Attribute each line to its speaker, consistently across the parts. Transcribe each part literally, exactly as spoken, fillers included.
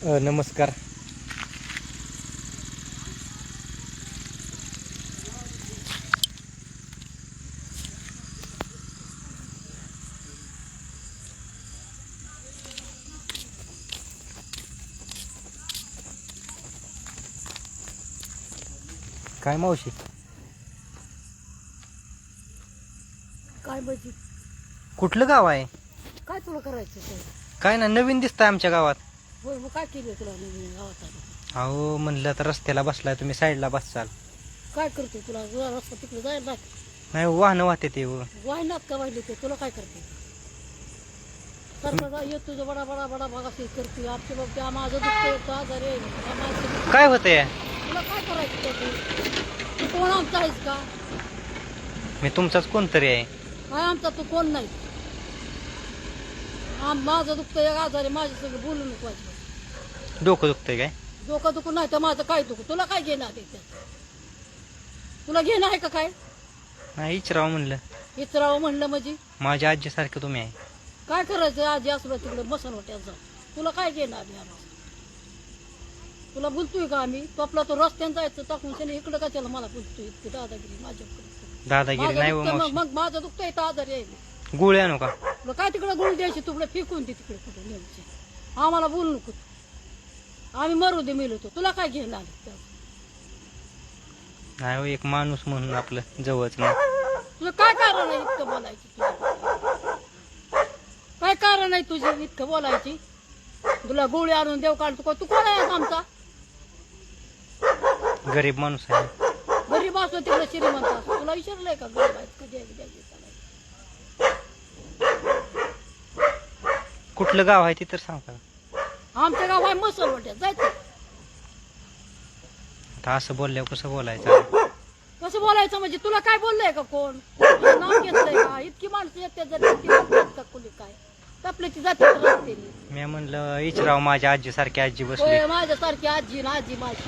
Speaker 1: अ, नमस्कार. काय मावशी?
Speaker 2: काय म्हणजे
Speaker 1: कुठलं गाव आहे?
Speaker 2: काय तुला करायचं ते?
Speaker 1: काय ना नवीन दिसतंय आमच्या गावात.
Speaker 2: होय मग काय केलं तुला नवीन गावात आलं?
Speaker 1: अहो म्हणलं तर रस्त्याला बसलाय तुम्ही, साईडला बसचाल.
Speaker 2: काय करते तुला तुला रस्ता तिकडे जायला
Speaker 1: नाही वाहनं वाहते ते व.
Speaker 2: वाहिनात का वाहिले ते तुला काय करते? सरकार येत तुझं बडा बडा बडा भाग असे करते आमच्या बाबतीत माझं दुःख येतं आजार आहे माझं दुःख.
Speaker 1: काय होतंय?
Speaker 2: तुला काय करायचं त्याचं? तू कोण आमचा आहेस का?
Speaker 1: मी तुमचाच कोणतरी आहे.
Speaker 2: काय आमचा तू कोण नाही. आम माझं दुखतं एक आजार आहे माझ्या सगळं बोलू नको वाजवा.
Speaker 1: डोकं दुखतंय काय?
Speaker 2: डोकं दुखून नाही तर माझं काय दुखू तुला काय घेणं आहे त्यात? तुला घेणं आहे का काय?
Speaker 1: नाही इचराव म्हणलं.
Speaker 2: इतरावं म्हणलं म्हणजे
Speaker 1: माझ्या आजीसारखं तुम्ही आहे.
Speaker 2: काय करायचं आजी असलं तिकडे बसन वाट्यात जा. तुला काय घेणं आम्ही आम्हाला? तुला बोलतोय का आम्ही? तो आपला तो रस्त्यानं जायचं टाकून त्याने इकडं का त्याला मला बोलतोय इतकी दादागिरी माझ्याकडे.
Speaker 1: दादागिरी नाही व
Speaker 2: माझं दुखतं,
Speaker 1: मावशी.
Speaker 2: मग माझं दुखतं इथं आजारी आहे.
Speaker 1: गोळी आणू का?
Speaker 2: तुला काय तिकडे गुळ द्यायची तुकडे फेकून दे तिकडे कुठे न्यायची. आम्हाला बोलू नको. आम्ही मरू दे मिळतो तुला काय घेणं आलं?
Speaker 1: नाही हो, एक माणूस म्हणून आपलं जवळच नाही.
Speaker 2: तुला काय कारण आहे इतकं बोलायची तुझी? काय कारण आहे तुझी इतकं बोलायची? तुला गोळी आणून देव काढतो तू कोण आहे आमचा?
Speaker 1: गरीब माणूस आहे.
Speaker 2: गरीब असतो तिकडे श्रीमंत असतो तुला विचारलंय का गरीब आहेत कधी आहे द्यायची
Speaker 1: कुठलं गाव आहे ते तर सांगा.
Speaker 2: आमच्या गाव आहे मसलवट्यात जायचं.
Speaker 1: आता असं बोलल्यावर कसं बोलायचं?
Speaker 2: कसं बोलायचं म्हणजे तुला काय बोललंय का कोण? तुझं नाव घेतलंय का? इतकी माणसं येते जर इतकी लपतात का कोणी काय तपल्याची जाते रस्ते
Speaker 1: मी म्हणलं इचराव माझ्या आजीसारखी आजी बसली.
Speaker 2: होय माझ्यासारखी आजी ना आजी माझी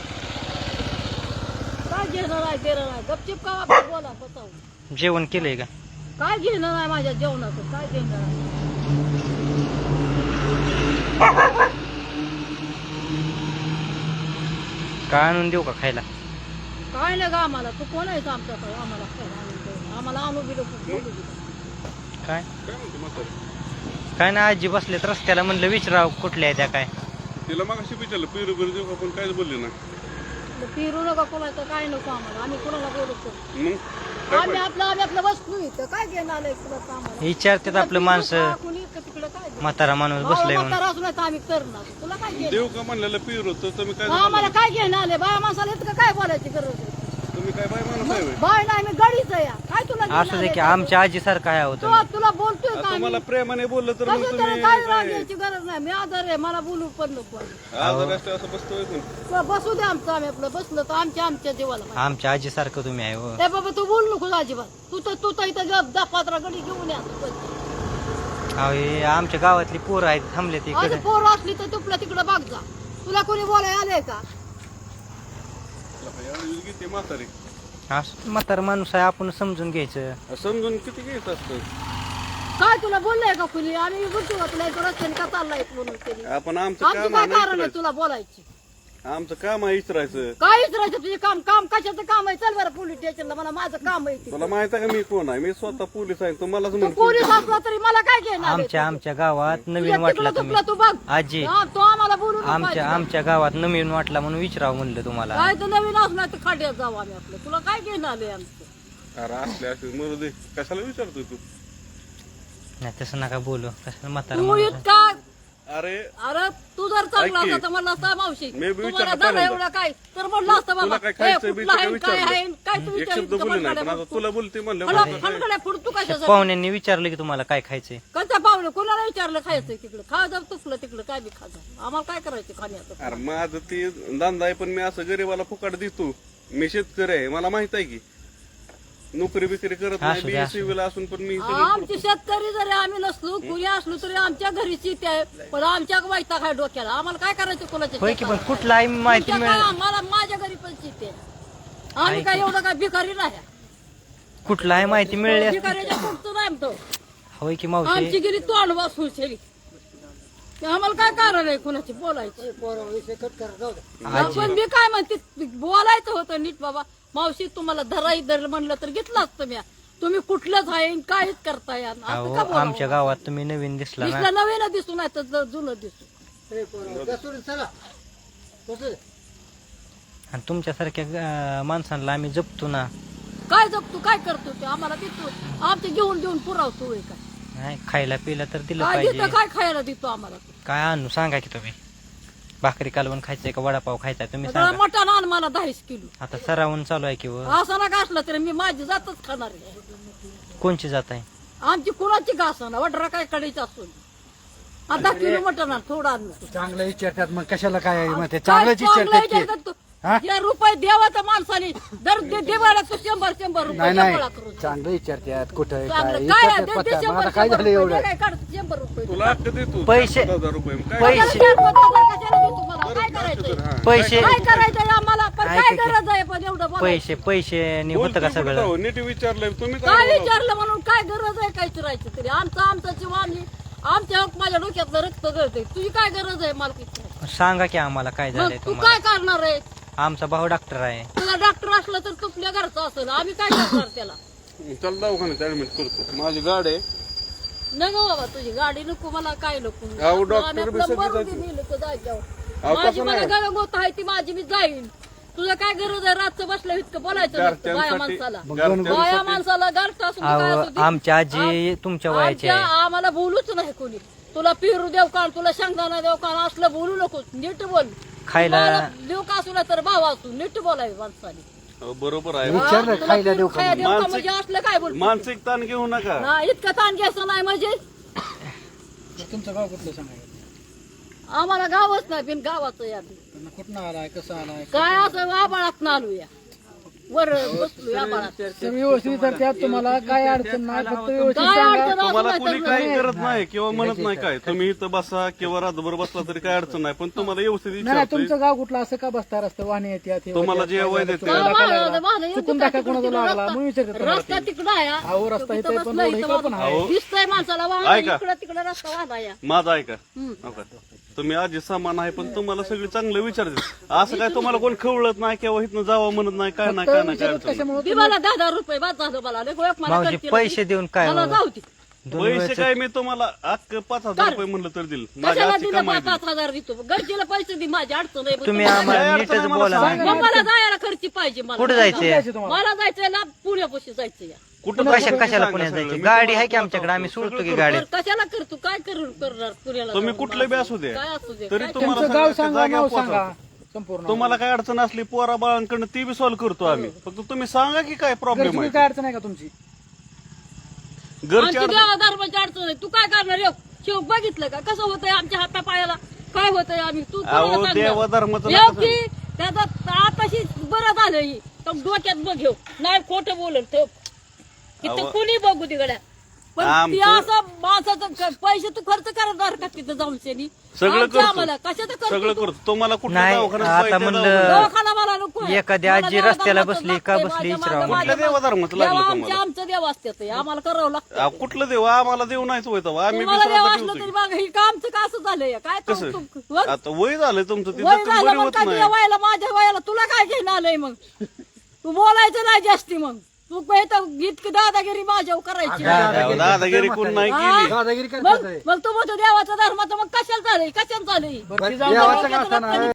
Speaker 2: काय घेणं नाही देणं नाही गपचिप का आपण बोला बसावं.
Speaker 1: जेवण केलंय का?
Speaker 2: काय घेणं नाही माझ्या जेवणाचं काय घेणं नाही.
Speaker 1: काय आणून देऊ का खायला?
Speaker 2: काय नाही का आम्हाला तू कोण आहेस आमच्या आम्हाला खायला आणून देऊ? आम्हाला आणू बिलो
Speaker 1: काय काय ना आजी बसलेत रस्त्याला, म्हणलं विचाराव कुठल्या आहे त्या काय.
Speaker 3: तिला मग अशी विचारलं पिरू बिरू देऊ का पण काहीच बोलले ना.
Speaker 2: फिरू नका कोणाचं काय नको आम्हाला आम्ही कोणाला बोलतो.
Speaker 3: मग
Speaker 2: आम्ही आपलं आम्ही आपलं बसलो इथं काय घेणं आलंय तुला आम्हाला?
Speaker 1: विचारतात आपलं माणसं.
Speaker 2: कोणी इकडं तिकडं काय देणार?
Speaker 1: म्हातारा माणूस बसलाय म्हणून.
Speaker 2: म्हातारा असून तर आम्ही करणार तुला काय घेणं?
Speaker 3: देऊ का म्हणलेलं पिरू तर तुम्ही काय
Speaker 2: आम्हाला काय घेणं आले बाया माणसाला इतकं काय बोलायची गरज आहे?
Speaker 3: तुम्ही काय बाय माणूस आहे होय?
Speaker 2: बाय नाही मी गडीच आहे या. काय तुला घेणं
Speaker 1: असं दे
Speaker 2: आलंय?
Speaker 1: की आमच्या आजीसारखं आहे होतं.
Speaker 2: तो तुला बोलतोय का
Speaker 3: आता
Speaker 2: आम्ही?
Speaker 3: मला प्रेमाने बोललं तर मग
Speaker 2: कसं
Speaker 3: तुम्ही
Speaker 2: तरी काय राग यायची गरज नाही मी आजार आहे मला बोलू पण नको
Speaker 3: आज रस्ते असं बसतोय पण.
Speaker 2: तुला बसू दे आमचं आम्ही आपलं बसलं तर आमच्या आमच्या जीवाला माहिती.
Speaker 1: आमच्या आजीसारखं तुम्ही आहे हो.
Speaker 2: ए बाबा तू बोल नको अजिबात तू तर तू तर इथं गप दहा पात्रा गडी घेऊन या
Speaker 1: अहो, हे आमच्या गावातली पोरं आहेत थांबले
Speaker 2: आज
Speaker 1: तिकडे.
Speaker 2: पोर असली तर तुपल्या तिकडे बाग जा तुला कोणी बोलाय आलंय का?
Speaker 3: एवढी किती म्हातारी
Speaker 1: असं म्हातारा माणूस आहे आपण समजून घ्यायचं.
Speaker 3: समजून किती घ्यायचं असतं.
Speaker 2: काय तुला बोललंय का कुणी? आम्ही बोलतो का तुला इथं रस्त्याने का चाललाय म्हणून तरी
Speaker 3: आपण आमचं
Speaker 2: आमचं
Speaker 3: काम
Speaker 2: काय
Speaker 3: आहे ना
Speaker 2: कारण आहे
Speaker 3: इचरायचं.
Speaker 2: तुला बोलायची?
Speaker 3: आमचं काम आहे इचरायचं.
Speaker 2: काय विचारायचं तुझे काम काम कशाचं काम आहे? चल बरं पोलीस स्टेशनला मला माझं काम आहे ते.
Speaker 3: तुला माहित आहे का मी कोण आहे? मी स्वतः पोलीस आहे तुम्हालाच
Speaker 2: तू
Speaker 3: म्हणतो.
Speaker 2: पोलीस असला तरी मला काय घेणार आहे
Speaker 1: आमच्या
Speaker 2: तुझं?
Speaker 1: आमच्या गावात नवीन
Speaker 2: तुझ्या
Speaker 1: वाटला
Speaker 2: तिकडं
Speaker 1: तुम्ही.
Speaker 2: तुपला तू बघ
Speaker 1: आजी
Speaker 2: हा, तो आम्हाला बोलू नको
Speaker 1: आमच्या
Speaker 2: अजिबात.
Speaker 1: आमच्या गावात नवीन वाटला म्हणून विचारावं म्हणलं तुम्हाला.
Speaker 2: काय तर नवीन असणार तर खाड्यात जाऊ आम्ही आपलं तुला काय घेणार आले आमचं?
Speaker 3: अरे असले असे मरू दे कशाला विचारतोय तू?
Speaker 1: नाही तसं नका बोलू. कसं म्हातारा
Speaker 2: तू
Speaker 1: माणूस आहे.
Speaker 2: इतका
Speaker 3: अरे
Speaker 2: अरे तू जर चांगला
Speaker 3: ऐक की.
Speaker 2: असता तर म्हणलं असता मावशी
Speaker 3: मी बी
Speaker 2: तुम्हाला
Speaker 3: विचारलं
Speaker 2: झालं
Speaker 3: पहिल्यांदा.
Speaker 2: एवढं काय तर म्हणलं असतं
Speaker 3: तुला
Speaker 2: बाबा
Speaker 3: काय
Speaker 2: हे
Speaker 3: खायचं
Speaker 2: कुठलं आहे, काय आहे,
Speaker 3: विचारलं
Speaker 2: काय तू
Speaker 3: एक
Speaker 2: विचार
Speaker 3: शब्द बोलले नाही पण आता तुला बोलते म्हणलं
Speaker 2: मला
Speaker 3: मला काय-
Speaker 2: फणकड्या फुडतू कशाचं
Speaker 1: पाहुण्यांनी विचारलं की तुम्हाला काय खायचंय.
Speaker 2: कसं पाहुणे कोणाला विचारलं खायचं तिकडं खा जाऊ तुपलं तिकडं काय बी खा जाऊ आम्हाला काय करायचं खाण्याचं?
Speaker 3: अरे माझं ते धंदा आहे पण मी असं गरीबाला फुकाट देतो. मी शेतकरी आहे मला माहित आहे की नोकरी बिकरी करत नाही.
Speaker 1: असू द्या, असू
Speaker 3: बी ला असून पण मी सगळं
Speaker 2: आमची शेतकरी जरी आम्ही नसलो कुणी असलो तरी आमच्या घरी शेती आहे पण आमच्या वैताग आहे डोक्याला आम्हाला काय करायचं कोणाच्या
Speaker 1: होय की पण
Speaker 2: शेताला?
Speaker 1: कुठला आहे माहिती
Speaker 2: तुमच्या काय
Speaker 1: मिळेल.
Speaker 2: आम्हाला माझ्या घरी पण शेती आहे आम्ही काय एवढं काय भिकारी नाही
Speaker 1: कुठला आहे माहिती मिळेल.
Speaker 2: भिकाऱ्याच्या पुढचं नाही आमचं
Speaker 1: होय की मावशी.
Speaker 2: आमची गेली तोंड वाचून शेली आम्हाला काय कारण आहे कुणाची बोलायचं
Speaker 1: आजी
Speaker 2: पण मी काय म्हणते बोलायचं होतं नीट बाबा. मावशी तुम्हाला धराई धर म्हणलं तर घेतलं असतं मी. तुम्ही कुठलंच आहे काहीच करताय असं का
Speaker 1: अहो
Speaker 2: बोलावं?
Speaker 1: आमच्या गावात तुम्ही नवीन दिसला ना.
Speaker 2: दिसलं नवीन दिसू नाही तर ज- जुनं दिसू.
Speaker 1: आणि तुमच्यासारख्या अं, माणसांना आम्ही जपतो ना.
Speaker 2: काय जगतो काय करतो ते आम्हाला देतो. आमचे घेऊन घेऊन पुरावतो होय काय.
Speaker 1: नाही खायला पिला तर दिलं
Speaker 2: काय
Speaker 1: पाहिजे.
Speaker 2: देतो काय खायला देतो आम्हाला.
Speaker 1: काय आणू सांगा की तुम्ही. भाकरी कालवण खायचंय का वडापाव खायचा तुम्ही
Speaker 2: जरा
Speaker 1: सांगा.
Speaker 2: मटण आण मला दहाच किलो.
Speaker 1: आता सरावून चालू आहे की व.
Speaker 2: असं ना असलं तरी मी माझी जातच खाणार आहे.
Speaker 1: कोणची जात आहे.
Speaker 2: आमची कुणाची का असं वडरा काय कडायचं असून अर्धा किलो मटण आण थोडं आण.
Speaker 4: चांगलं विचारतात मग कशाला काय मग ते
Speaker 2: काय
Speaker 4: चांगलंच
Speaker 2: चांगलं
Speaker 4: विचारतात की.
Speaker 2: विचारतात तू?
Speaker 4: हा?
Speaker 2: या रुपये देवाच्या माणसाने दर दे- देवाला तू शंभर शंभर रुपये
Speaker 4: नाही नाही
Speaker 2: गोळा करून.
Speaker 4: चांगलं विचारतात कुठं आहे, काय
Speaker 2: चांगलं काय
Speaker 4: विचारतात
Speaker 2: दे-
Speaker 4: पत्ता.
Speaker 2: दे
Speaker 4: मग
Speaker 2: शंभर
Speaker 4: आता काय
Speaker 2: शंभर
Speaker 4: झालं
Speaker 2: रुपये.
Speaker 4: एवढं
Speaker 2: दे काय काढ शंभर रुपये.
Speaker 3: तुला हक्क देतो
Speaker 1: पैसे-
Speaker 3: पाच हजार रुपये काय
Speaker 1: पैसे
Speaker 2: चार पाच हजार कशाला देतो मला? काय करायचंय?
Speaker 3: हा.
Speaker 1: पैसे
Speaker 2: काय करायचंय आम्हाला पण
Speaker 1: ऐका
Speaker 2: काय
Speaker 1: की.
Speaker 2: गरज आहे पण एवढं बोलायचं?
Speaker 1: पैसे पैसे होतं का
Speaker 3: बोलतोय
Speaker 1: सगळं.
Speaker 3: कुठं? नीट विचारलंय तुम्ही
Speaker 2: काय
Speaker 3: काय
Speaker 2: विचारलं म्हणून काय गरज आहे काय चिरायचं तरी आमचं आमचं जीव आम्ही आमच्या माझ्या डोक्यातलं रक्त गळतंय. तुझी काय गरज आहे मला किती?
Speaker 1: सांगा की आम्हाला काय
Speaker 2: मग
Speaker 1: झालंय
Speaker 2: तू
Speaker 1: तुम्हाला.
Speaker 2: काय करणार आहे?
Speaker 1: आमचा भाऊ डॉक्टर आहे.
Speaker 2: तुला डॉक्टर असलं तर तुपल्या घरचं असेल आम्ही काय करणार त्याला?
Speaker 3: चल दवाखान्यात ऍडमिट करतो. माझी गाडी आहे.
Speaker 2: नको बाबा तुझी गाडी नको मला काय नको.
Speaker 3: अहो, डॉक्टर
Speaker 2: आम्ही
Speaker 3: बी
Speaker 2: आपलं
Speaker 3: सगळे
Speaker 2: मरू दे
Speaker 3: जातील.
Speaker 2: नेलं तर जायच्यावर.
Speaker 3: अहो,
Speaker 2: माझी
Speaker 3: तसं
Speaker 2: मला
Speaker 3: नाही.
Speaker 2: गरज होत आहे ती माझी मी जाईन. तुझं काय गरज आहे रातचं बसलं इतकं बोलायचं नसतं बाया
Speaker 3: घरच्यांसाठी
Speaker 2: माणसाला.
Speaker 3: घरच्यांसाठी-
Speaker 2: बाया माणसाला घरचं असून काय
Speaker 1: अहो
Speaker 2: असू दे.
Speaker 1: आमची आजी तुमच्या वयाची
Speaker 2: आमच्या
Speaker 1: आहे.
Speaker 2: आम्हाला बोलूच नाही कोणी. तुला पिरू देव का तुला शेंगदाणा देव का असलं बोलू नको. नीट बोल.
Speaker 1: खायला
Speaker 2: तुम्हाला देव का असू नाही तर भाव असू नीट बोलावे माणसाने.
Speaker 3: अहो, बरोबर आहे
Speaker 4: विचारलं
Speaker 2: हा, तुला
Speaker 4: खायला
Speaker 2: पिरू
Speaker 4: देऊ का
Speaker 2: खायला देव का
Speaker 3: मानसिक-
Speaker 2: म्हणजे असलं काय बोल.
Speaker 3: मानसिक ताण घेऊ नका.
Speaker 2: ना इतकं ताण घ्यायचं नाही म्हणजे
Speaker 4: तुमचं गाव कुठलं सांगा
Speaker 2: आम्हाला गावच नाही बिन गावाचं या
Speaker 4: कुठं आलाय कसं आलाय
Speaker 2: काय असं आबाळात आलूया वर बसलो आबाळात.
Speaker 4: व्यवस्थित विचारतात तुम्हाला काय अडचण नाही फक्त व्यवस्थित
Speaker 2: काय
Speaker 4: सांगा.
Speaker 2: अडचण असू
Speaker 3: तुम्हाला
Speaker 2: नाही
Speaker 3: कोणी
Speaker 2: तर
Speaker 3: काही
Speaker 2: नाही.
Speaker 3: करत नाही किंवा म्हणत नाही काय. तुम्ही इथं बसा किंवा रातभर बसला तरी काय अडचण नाही. पण तुम्हाला व्यवस्थित
Speaker 4: नाही नाही,
Speaker 3: विचारतोय.
Speaker 4: तुमचं गाव कुठलं असं का बसता रस्ता वाहने येतात हे
Speaker 3: तुम्हाला
Speaker 4: होतात,
Speaker 3: जे
Speaker 4: काय
Speaker 3: वय
Speaker 4: झालं,
Speaker 3: देते.
Speaker 4: चुकून धक्का लागला.
Speaker 2: वाहनं येऊ
Speaker 4: चुकून
Speaker 2: दे,
Speaker 4: धक्का
Speaker 2: तिकडं
Speaker 4: कोणाचा लागला
Speaker 2: रस्ता-
Speaker 4: मग विचारतात तुम्हाला
Speaker 2: रस्ता
Speaker 4: ते.
Speaker 2: तिकडं आहे हा.
Speaker 4: अहो, रस्ता
Speaker 2: तिथं
Speaker 4: इथं पण
Speaker 2: बसलं,
Speaker 4: रोड
Speaker 2: इथं
Speaker 4: इकडं पण
Speaker 2: वाहन.
Speaker 4: आहे.
Speaker 3: अहो.
Speaker 2: दिसतंय माणसाला वाहन
Speaker 3: ऐका.
Speaker 2: इकडं तिकडं रस्ता वाहना या.
Speaker 3: माझं ऐका हो का? तुम्ही आजी समान आहे पण तुम्हाला सगळी चांगलं विचारते. असं काय तुम्हाला कोण खवळत नाही किंवा इथनं जावं म्हणत नाही काय नाही काय नाही काय
Speaker 4: विचारतात
Speaker 3: अडचण नाही.
Speaker 4: कशामुळे
Speaker 2: दे मला दहा दहा रुपये बाद झालं मला लय गोळ्यात मला
Speaker 1: मावशी
Speaker 2: करतील.
Speaker 1: पैसे देऊन काय
Speaker 2: मला
Speaker 1: हो?
Speaker 2: जाऊ दे.
Speaker 1: दोन
Speaker 3: पैसे
Speaker 1: वेळचं-
Speaker 3: काय मी तुम्हाला अख्ख पाच हजार रुपये म्हणलं तर दिल. माझी
Speaker 2: कशाला
Speaker 3: आजची
Speaker 2: दिलं
Speaker 3: कमाई
Speaker 2: पाच पाच हजार देतो गरजेला पैसे दे माझी अडचण आहे.
Speaker 1: तुम्ही
Speaker 2: मला-
Speaker 1: आम्हाला
Speaker 3: काय
Speaker 1: नीटच
Speaker 3: अडचण आहे
Speaker 1: बोला
Speaker 3: मला
Speaker 1: ना.
Speaker 2: मग मला जायला खर्ची पाहिजे मला.
Speaker 1: कुठं जायचंय
Speaker 4: जायचं तुम्हाला
Speaker 2: मला जायचंय ना पुण्यापाशी जायचं या.
Speaker 3: कुठं
Speaker 1: कशा
Speaker 3: जायचं
Speaker 1: कशाला
Speaker 3: सांगा
Speaker 1: पुण्यात
Speaker 3: सगळं.
Speaker 1: जायची
Speaker 3: मी
Speaker 1: गाडी
Speaker 3: तुम्हाला
Speaker 1: आहे की आमच्याकडे आम्ही सोडतो की गाडी.
Speaker 2: तर कशाला करतो काय करू करणार पुण्याला
Speaker 3: तुम्ही
Speaker 2: जाऊन
Speaker 3: कुठले बी
Speaker 2: मला?
Speaker 3: असू दे.
Speaker 2: काय असू दे
Speaker 3: तरी
Speaker 2: काय
Speaker 3: तुम्हाला
Speaker 4: तुमचं गाव
Speaker 3: सगळ्या
Speaker 4: सांगा
Speaker 3: जागेवर
Speaker 4: नाव सांगा
Speaker 3: पोहोचवतो.
Speaker 4: संपूर्ण
Speaker 3: तुम्हाला काय अडचण असली पोरा बाळांकडनं ती बी सॉल्व्ह करतो आम्ही. फक्त तुम्ही सांगा की काय प्रॉब्लेम
Speaker 4: तुम्ही
Speaker 3: आहे.
Speaker 4: काय अडचण आहे का तुमची
Speaker 3: घरची
Speaker 2: आमची
Speaker 3: अडचण
Speaker 2: देवा धर्माची अडचण आहे. तू काय करणार येऊ शिव बघितलं का कसं होतंय आमच्या हाता पायाला काय होतंय आम्ही तू
Speaker 3: अहो,
Speaker 2: कोणाला सांगणार?
Speaker 3: देवा धर्माचं
Speaker 2: येऊ
Speaker 3: नका
Speaker 2: की त्याचं आताशी बरं झालं ही तर डोक्यात बघ घेऊ नाही खोटं बोलल तो इथं
Speaker 3: अहो.
Speaker 2: कुणी बघू तिकडे पण ती
Speaker 3: आमचं-
Speaker 2: असं माणसाचं क- पैसे तू खर्च करणार का तिथं जाऊन शेनी
Speaker 3: सगळं
Speaker 2: आमच्या
Speaker 3: करतो.
Speaker 2: आम्हाला कशाचं करतो
Speaker 3: सगळं
Speaker 2: तू?
Speaker 3: करतो. तुम्हाला कुठल्या
Speaker 1: नाही,
Speaker 3: दवाखान्यात
Speaker 1: आता
Speaker 3: पाहिजे त्या
Speaker 1: म्हणलं-
Speaker 3: दवाखान्यात.
Speaker 2: दवाखाना मला नको आहे.
Speaker 1: एखादी
Speaker 2: मला
Speaker 1: आजी
Speaker 2: देवा
Speaker 1: रस्त्याला
Speaker 2: धर्माचं
Speaker 1: बसली
Speaker 2: लागतंय,
Speaker 1: का
Speaker 2: माझ्या
Speaker 1: बसली
Speaker 2: मागं-
Speaker 1: विचारावं.
Speaker 2: माझ्या
Speaker 3: कुठल्या देवा धर्माचं लागलं
Speaker 2: देवा
Speaker 3: तुम्हाला?
Speaker 2: आमच्या आमचं देव असतात आम्हाला करावं लागतं
Speaker 3: अहो, कुठलं देव आम्हाला देव नाहीच होय तेव्हा. आम्ही बी
Speaker 2: तुम्हाला देव
Speaker 3: श्राद्ध
Speaker 2: असलं
Speaker 3: ठेवतो
Speaker 2: तरी
Speaker 3: की.
Speaker 2: बघा ही का आमचं का असं झालंय काय तो-
Speaker 3: कसं
Speaker 2: तू- वर-
Speaker 3: आता वय झालंय तुमचं ती
Speaker 2: वय
Speaker 3: जखम
Speaker 2: झालं
Speaker 3: बरी
Speaker 2: मग
Speaker 3: होत
Speaker 2: काय
Speaker 3: नाही.
Speaker 2: तुझ्या वयाला माझ्या वयाला तुला काय घेणं आलंय मग तू बोलायचं नाही जास्ती मग तू इथं इतकी दादागिरी माझ्यावर करायची
Speaker 3: अहो, दादागिरी कोण नाही
Speaker 2: हा?
Speaker 3: केली.
Speaker 4: दादागिरी
Speaker 2: मग
Speaker 4: करतात
Speaker 2: मग तू म्हणतो देवाचा धर्माचं मग कशाला झालंय कशाला झालंय
Speaker 4: देवाचं का असताना